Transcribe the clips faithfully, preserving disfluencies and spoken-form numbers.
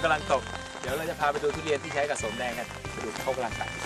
กำลังตกเดี๋ยวเราจะพาไปดูทุเรียนที่ใช้กับสมแดงกันไปดูเขากำลังตัด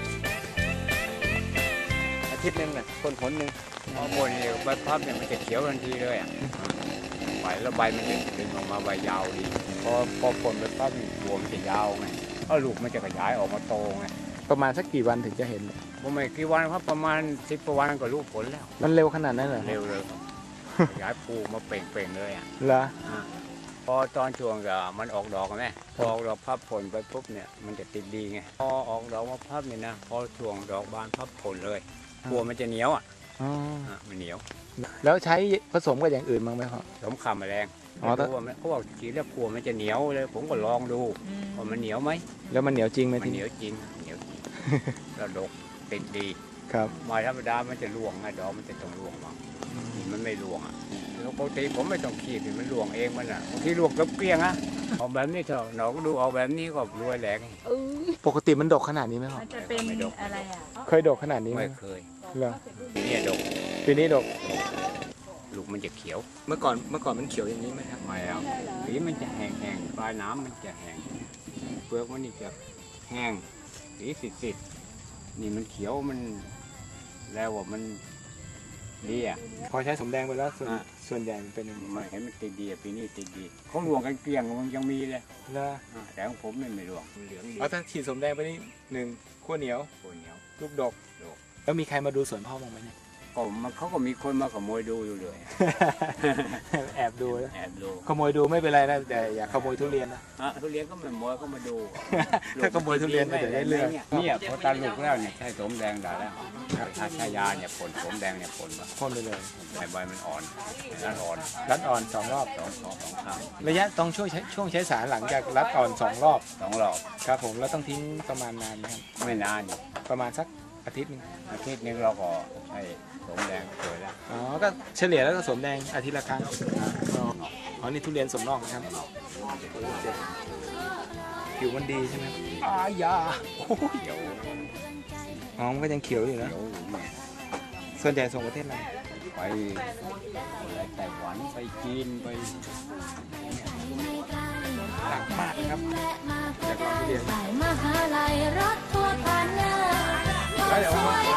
อาทิตย์นึงน่ะคนผลหนึ่งพอหมดเนี่ยใบพับเนี่ยมันจะเขียวทันทีเลยอ่ะใบแล้วใบมันจะดึงออกมาใบยาวดีพอพอผลใบพับเนี่ยหัวมันจะยาวไงก็ลูกมันจะขยายออกมาโตไงประมาณสักกี่วันถึงจะเห็นผมไม่กี่วันครับประมาณสิบกว่าวันก็รู้ผลแล้วมันเร็วขนาดนั้นเหรอเร็วเลยขยายปูมาเป่งๆเลยอ่ะเหรอพอตอนช่วงก็มันออกดอกไหมพอออกดอกพับผลไปปุ๊บเนี่ยมันจะติดดีไงพอออกดอกมาพับเนี่ยนะพอช่วงดอกบานพับผลเลยกลัวมันจะเหนียวอ่ะอ๋ออ่ะมันเหนียวแล้วใช้ผสมกับอย่างอื่นบ้างไหมครับสมข่าแมลงอ๋อไม่รู้ว่ามันเขาบอกฉีดแล้วกลัวมันจะเหนียวเลย ผมก็ลองดูว่ามันเหนียวไหมแล้วมันเหนียวจริงไหมมันทีเหนีนี้ยวจริงเหนียวจริงแล้วดกติดดีครับไม้ธรรมดามันจะร่วงไงดอกมันจะต้องร่วงบ้างนี่มันไม่ร่วงอ่ะแล้วปกติผมไม่ต้องขีดมันร่วงเองมันอ่ะบางทีร่วงกับเกลี้ยงอ่ะออกแบบนี้เถอะหนอกดูออกแบบนี้ก็รวยแหลกปกติมันดกขนาดนี้ไหมครับมันจะเป็นอะไรอ่ะเคยดกขนาดนี้ไหมไม่เคยเหรอเนี่ยดกปีนี้ดกลูกมันจะเขียวเมื่อก่อนเมื่อก่อนมันเขียวอย่างนี้ไหมครับไม่เอาสีมันจะแห้งๆปลายน้ำมันจะแห้งเปลือกมันนี่จะแห้งสีสิดๆนี่มันเขียวมันแล้วว่ามันดีอ่ะพอใช้สมแดงไปแล้วส่วนอ่ะส่วนใหญ่มันเป็นยังไงไม่เห็นมันติดดีอ่ะปีนี้ติดดีเขารวงกันเกลี้ยงมันยังมีเลยแล้วอ่ะแต่ของผมเนี่ยไม่รวงมันเหลืองดีเอาถ้าฉีดสมแดงไปนี่หนึ่งขั้วเหนียวโคนเหนียวลูกดกดกแล้วมีใครมาดูสวนพ่อบ้างไหมเนี่ยก็มันเขาก็มีคนมาขโมยดูอยู่เลยแอบดูนะแอบดูขโมยดูไม่เป็นไรนะแต่อย่าขโมยทุเรียนนะอ่ะทุเรียนก็ไม่ขโมยก็มาดูถ้าขโมยทุเรียนมันจะได้เรื่องเนี่ยพอตัดลูกแล้วเนี่ยใช้สมแดงได้แล้วถ้าใช้ยาเนี่ยผลสมแดงเนี่ยผลมาพ่นไปเลยใบใบมันอ่อนด้านอ่อนรัดอ่อนสองรอบสองสองสองข้างระยะต้องช่วยใช้ช่วงใช้สารหลังจากรัดอ่อนสองรอบสองรอบครับผมแล้วต้องทิ้งประมาณนานไหมครับไม่นานประมาณสักอาทิตย์หนึงอาทิตย์หนึงเราก็ใช้สมแดงสวยแล้วอ๋อก็เฉลี่ยแล้วก็สมแดงอาทิตย์ละครั้งอ๋ออ๋อนี่ทุเรียนสมนอกนะครับผิวมันดีใช่ไหมอายาโอ้ยเขียวอ๋อมันก็ยังเขียวอยู่เขีนะยวอยู่เนี่ยส่วนใหญ่ส่งประเทศอะไรไปอะไรไต้หวันไปจีนไปหลังมากครับจากเราทุเรียนสายมหาลัยรถทัวร์ผ่านหน้าแล้วเดี๋ยว